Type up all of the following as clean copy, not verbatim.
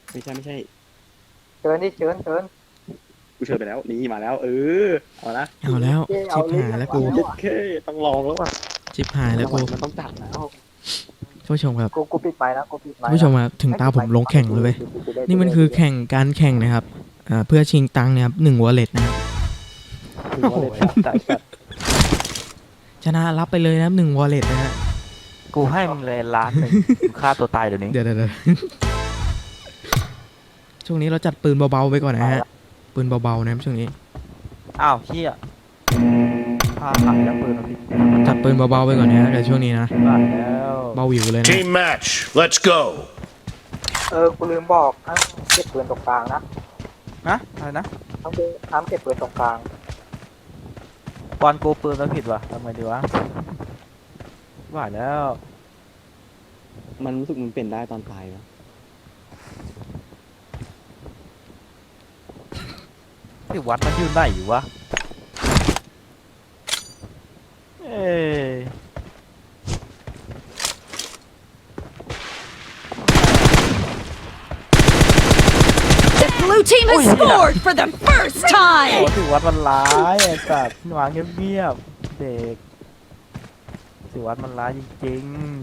ไม่ใช่เชิญดิเชิญกูเชิญไปแล้วนี่มาแล้วเอาละเอาแล้วชิบหายแล้วกูเจ็ดเคต้องลองแล้วว่ะชิบหายแล้วกูมันต้องจัดแล้วท่านผู้ชมครับกูปิดไปนะกูปิดไปท่านผู้ชมครับถึงตาผมลงแข่งเลยเว้ยนี่มันคือการแข่งนะครับเพื่อชิงตังค์นะครับ1 wallet นะครับโอ้โหจัดชนะรับไปเลยนะครับ1 wallet นะฮะกูให้มึงเลย1,000,000มึงฆ่าตัวตายเดี๋ยวนี้เดี๋ยวช่วงนี้เราจัดปืนเบาๆไปก่อนนะฮะปืนเบาๆนะครับช่วงนี้อ้าวเฮียพาขับแล้วปืนมาผิดจัดปืนเบาๆไปก่อนนะฮะแต่ช่วงนี้นะบ้าแล้วเบาหวิวเลยนะ Team match. Let's go. กูลืมบอกห้ามเก็บปืนตรงกลางนะนะอะไรนะห้ามเก็บปืนตรงกลางบอลกูปืนมาผิดว่ะทำไงดีวะบ้าแล้วมันรู้สึกมันเป็นได้ตอนตายวะที่วัดมันอยู่ไหนวะเอ้ย The blue team has scored for the first โอ้ time! ที่วัดมันร้ายไอ้สัตว์วางเงียบๆเด็กที่วัดมันร้ายจริง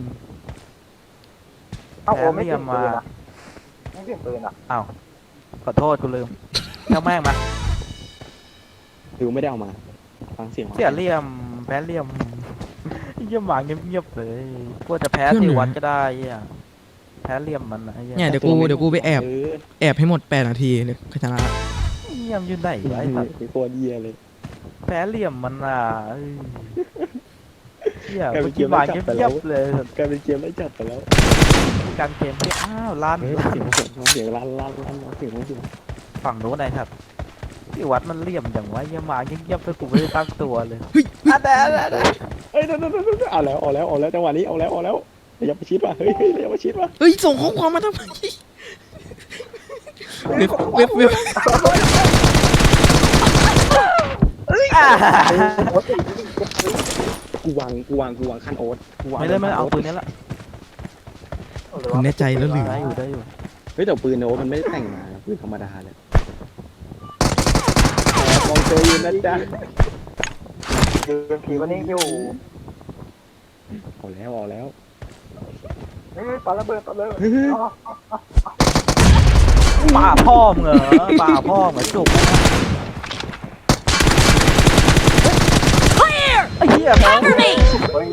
เอ้าโอ้ไม่เปลี่ยนปืนอ่ะไม่เปลี่ยนปืนอ่ะๆอ้าวขอโทษกูลืมเจ้าแม่งมาหรือไม่ได้เอามาฟังเสียงเสียเหลี่ยมแพ้เหลี่ยมเยี่ยมหวานเงียบๆเลยกลัวจะแพ้ที่วัดก็ได้เหี้ยแพ้เหลี่ยมมันนะไอ้เหี้ยเนี่ยเดี๋ยวกูไปแอบให้หมด8 นาทีเนี่ยก็ชนะละเยี่ยมยืนไหนวะไอ้สัตว์เป็นตัวเดียเลยแพ้เหลี่ยมมันอ่ะเอ้ยเหี้ยกูกินหวานเงียบๆเลยกลายเป็นเกมได้จัดไปแล้วการเกมที่อ้าวล้านเสียงลั่นเสียงฝั่งโน้นไอ้ครับที่วัดมันเหลี่ยมอย่างวะเยี่ยมหวานเงียบๆเลยกูไม่ได้ตั้งตัวเลยอะแต่เอ้ยเอาแล้วจังหวะนี้เอาแล้วอย่าไปชิดว่ะเฮ้ยอย่าไปชิดว่ะเฮ้ยส่งข้อความมาทำไมเว็บกูวางคันโอ๊ตไม่ได้เอาปืนนี้ละคุณแน่ใจแล้วหรือได้อยู่เฮ้ยแต่ปืนโอ๊ตมันไม่ได้แต่งมาปืนธรรมดาเลยมองเจออยู่นะจ๊ะยืนผีวันนี้อยู่เอาแล้วเฮ้ยปาระเบิดป่าพ่อมเหรอป่าพ่อมเหรอจุก Clear! ไอ้เหี้ยแม่ง Cover me! เฮ้ย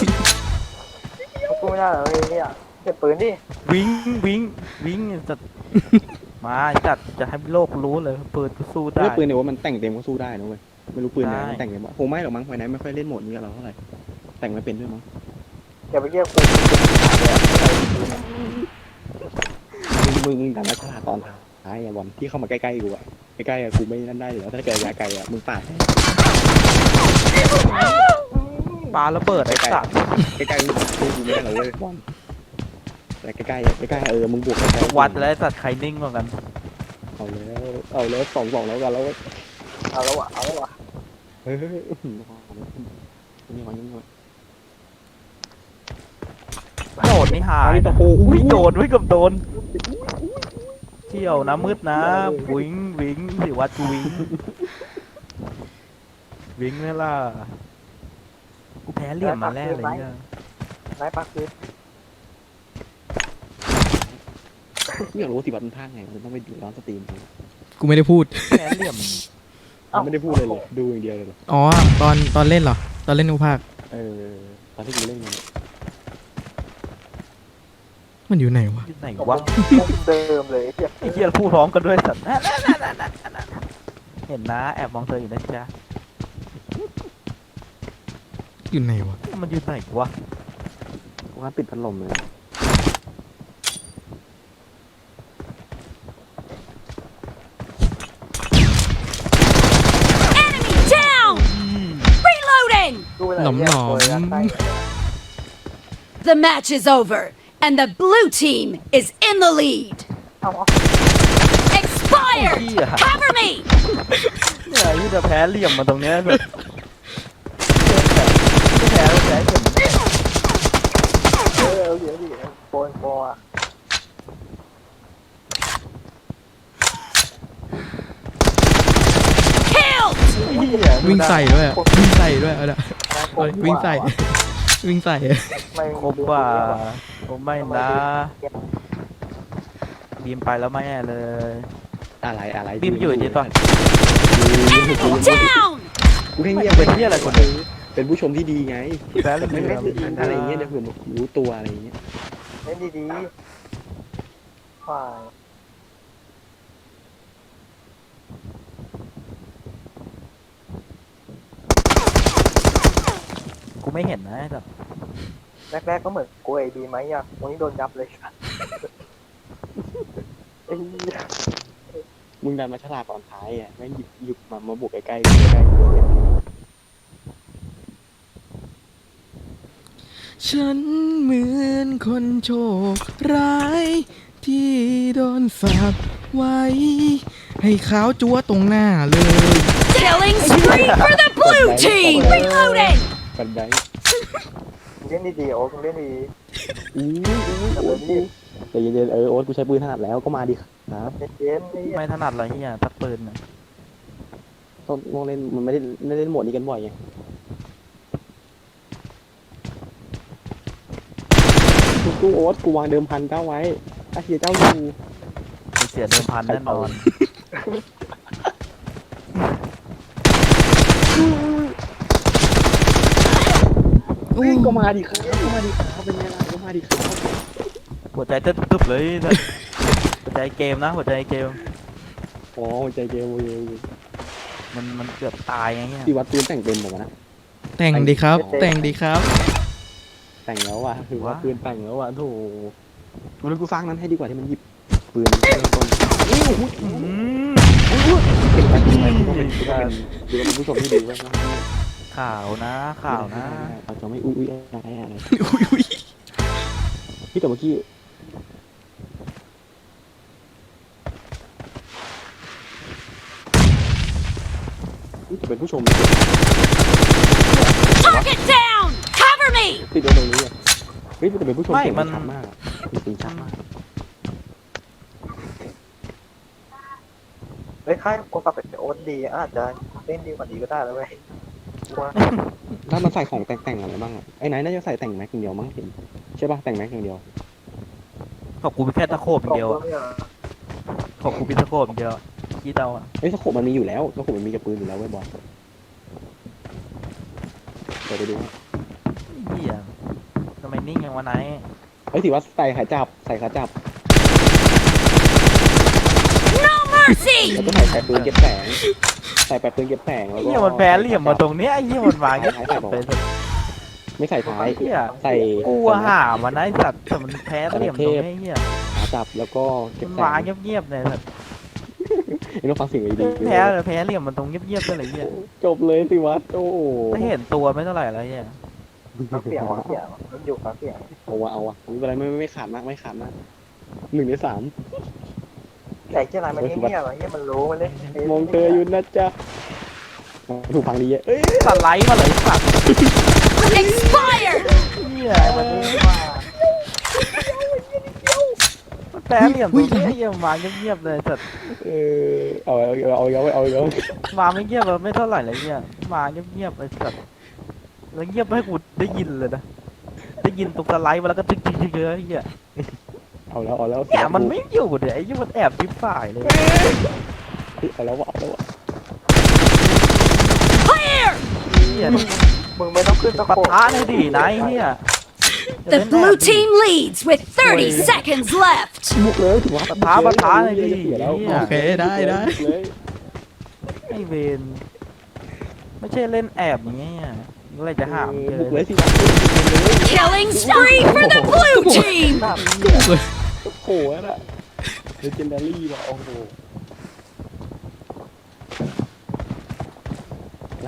กูไม่ได้เลยเนี่ยเก็บปืนดิวิ่งจัดมาจัดจะให้โลกรู้เลยปืนกูสู้ได้ปืนโอ๊ตมันแต่งเต็มก็สู้ได้นะเว้ยไม่รู้ปืนไหนมันแต่งเต็มวะคงไม่หรอกมั้งไฟไหนไม่ค่อยเล่นโหมดนี้กับเราเท่าไหร่แต่งไม่เป็นด้วยมั้งอย่าไปเรียกกูมึงดันนักฉลาดตอนท้ายบอลที่เข้ามาใกล้ๆกูอะใกล้ๆกูไม่นั่นได้อยู่แล้วถ้าเกิดระยะไกลอะมึงปาดปาระเบิดไอ้สัตว์ใกล้ๆกูไม่ได้หรอกเว้ยบอลแต่ใกล้ๆมึงบวกใกล้ๆวัดแล้วไอ้สัตว์ใครนิ่งกว่ากันเอาแล้ว2-2แล้วกันแล้วเอาแล้ววะเฮ้ยนี่มันโดดนี่หายตะโกอุ้ยโดนกับโดนเที่ยวนะมืดนะวิ่งสิวัดกูวิ่งนี่ล่ะกูแพ้เหลี่ยมมาแรกเลยเนี่ยนายปักปืนอยากรู้สิบัตรมันพากไงมันต้องไปดูร้านสตรีมกูไม่ได้พูดแพ้เหลี่ยมไม่ได้พูดเลยดูอย่างเดียวเลยอ๋อตอนเล่นเหรอตอนเล่นอุภาคตอนที่กูเล่นมันมันอยู่ไหนวะที่ไหนวะเดิมเลยเฮียไอ้เหี้ยพูดพร้อมกันด้วยสัตว์เห็นนะแอบมองเธออยู่นะจ๊ะอยู่ไหนวะมันอยู่ไหนวะว่าปิดพัดลมเลย Enemy down! Reloading! หนอม The match is over, and the blue team is in the lead. เอา Expired! เหี้ย Cover me! เนี่ยที่จะแพ้เหลี่ยมมาตรงเนี้ยแบบแพ้เหลี่ยมเดี๋ยวโปนอ่ะวิ่งใส่ด้วยอะวิ่งใส่ด้วยเอาละโอ้ยวิ่งใส่วิ่งใส่ไม่ครบว่าผมไม่นะบีมไปแล้วไม่แน่เลยอะไรบีมอยู่ดีป่ะ Enemy down! กูแค่ไม่เงียบเป็นเหี้ยอะไรคนอื่นเป็นผู้ชมที่ดีไงแพ้เลยไม่ไม่ไม่อะไรอย่างเงี้ยเดี๋ยวเผื่อรู้ตัวอะไรอย่างเงี้ยเล่นดีๆฝ่ายกูไม่เห็นนะแบบแรกๆก็เหมือนกูไอ้ดีไหมอ่ะวันนี้โดนยับเลยไอ้เหี้ยมึงดันมาฉลาดตอนท้ายอ่ะแม่งหยิบมาบุกใกล้ๆใกล้ๆตัวเลยฉันเหมือนคนโชคร้าย ที่โดนสาปไว้ ให้ขาวจั๊วตรงหน้าเลย Killing spree for the blue team! Reloading! ปันไดเล่นดีๆโอ้คุณเล่นดีอู้แต่เย็นๆโอ๊ตกูใช้ปืนถนัดแล้วก็มาดิครับเย็นๆนี่ไม่ถนัดอะไรเฮียตักปืนน่ะต้องเล่นมันไม่ได้เล่นโหมดนี้กันบ่อยไงกูโอ๊ตกูวางเดิมพันเจ้าไว้ถ้าเฮียเจ้าอยู่มีเสียเดิมพันแน่นอนเฮ้ยก็มาดิครับก็มาดิครับเป็นไงล่ะก็มาดิครับหัวใจเต้นตึบๆเลยนะหัวใจเกมนะหัวใจเกมอ๋อใจเกมโอเคมันเกือบตายไงเงี้ยพี่วัดปืนแต่งเป็นบอกว่านะแต่งดีครับ แต่งดีครับแต่งแล้วว่ะถือว่าปืนแต่งแล้วว่ะโถงั้นกูสร้างนั้นให้ดีกว่าที่มันหยิบปืนเริ่มต้นนี่โอ้โห เก็บไว้กูเป็นผู้ชมที่ดีไว้นะข่าวนะข่าวนะเราจะไม่อุ้ยอะไรอุ๊ยพี่แต่เมื่อกี้จะเป็นผู้ชม Target down! Cover me! ติดตรงนี้เฮ้ยแต่เป็นผู้ชมเสียงชัดมากเสียงชัดมากเฮ้ยค่ายกูปรับเป็นโอ๊ตดีอาจจะเล่นดีกว่านี้ก็ได้แล้วเว้ยว่าถ้ามันใส่ของแต่งอะไรบ้างไอ้ไหนน่าจะใส่แต่งแม็กอย่างเดียวมั้งเห็นใช่ป่ะแต่งแม็กอย่างเดียวขอบกูเป็นแค่ตะโขบอย่างเดียวอะขอบกูเป็นตะโขบอย่างเดียวคิดเอาอะเฮ้ยสโคปมันมีอยู่แล้วสโคปมันมีกับปืนอยู่แล้วไว้บอลเดี๋ยวไปดูเฮียทำไมนิ่งอย่างวะไหนเฮ้ยถือว่าใส่ขาจับ No mercy! แล้วก็ใส่ปืนเก็บแสงใส่ปืนเก็บแสงแล้วก็เฮียมันแพ้เหลี่ยมมาตรงเนี้ยไอ้เฮียมันวางเงี้ยใส่บอกเลยไม่ใส่ท้ายเฮียใส่กูอะหามันนะไอ้สัตว์แต่มันแพ้เหลี่ยมตรงเนี้ยเฮียขาจับแล้วก็เก็บมันแสวางงเงียบๆเลยสัตว์ไอ้น้องฟังเสิ่งดีแพ้เหลี่ยมมันตรงเงียบๆเลยเฮียจบเลยสิวัดโอ้ไม่เห็นตัวไม่เท่าไหร่แล้วเฮียฟังเสียงมันอยู่ฟังเสียงเอาวะไม่เป็นไรไม่ขาดมาก1 ใน 3 แต่เจ้าอะไรมันเงียบๆอ่ะเงียบมันรู้มันเล่นมองเธออยู่นะจ๊ะถูกฟังดีเอ้ยสไลด์มาเลยสัตว์ Expired! เฮียมันรู้ว่ามันแพ้เหลี่ยมตรงเนี้ยเฮียวางเงียบๆเลยสัตว์เอาอีกวางไม่เงียบเลยไม่เท่าไหร่เลยเฮียมาเงียบๆเลยสัตว์แล้วเงียบให้กูได้ยินเลยนะได้ยินตรงสไลด์มาแล้วก็ตึ๊กๆๆเลยเฮียเอาแล้วแอบมันไม่อยู่เดี๋ยวไอ้ยี่มันแอบทิพฝ่ายเลยเอาแล้ว Clear! เฮียมึงไม่ต้องขึ้นตะปะโขบทะเลยดินายเฮีย The blue team leads with 30 seconds left. บุกเลยถือว่าปะทะเลยดิโอเคได้ไอเวนไม่ใช่เล่นแอบอย่างเงี้ยอะไรจะหามเจอบุกเลยสิ Killing spree for the blue team! โอ้โหน่ะ legendary ว่ะโอ้โหหลัง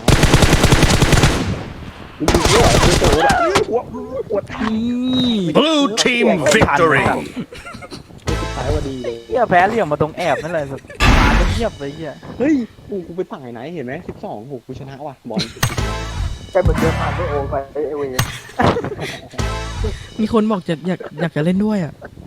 ปวด Blue team victory! สุดท้ายว่าดีเลยเฮียแพ้เหลี่ยมมาตรงแอบนั่นแหละสุดมาเงียบเลยเฮียเฮ้ยกูไปสั่งไหนเห็นไหม12โหกูชนะว่ะบอลแกเหมือนเดินผ่านด้วยโอ้ไปไอ้เวมีคนบอกอยากจะเล่นด้วยอ่ะ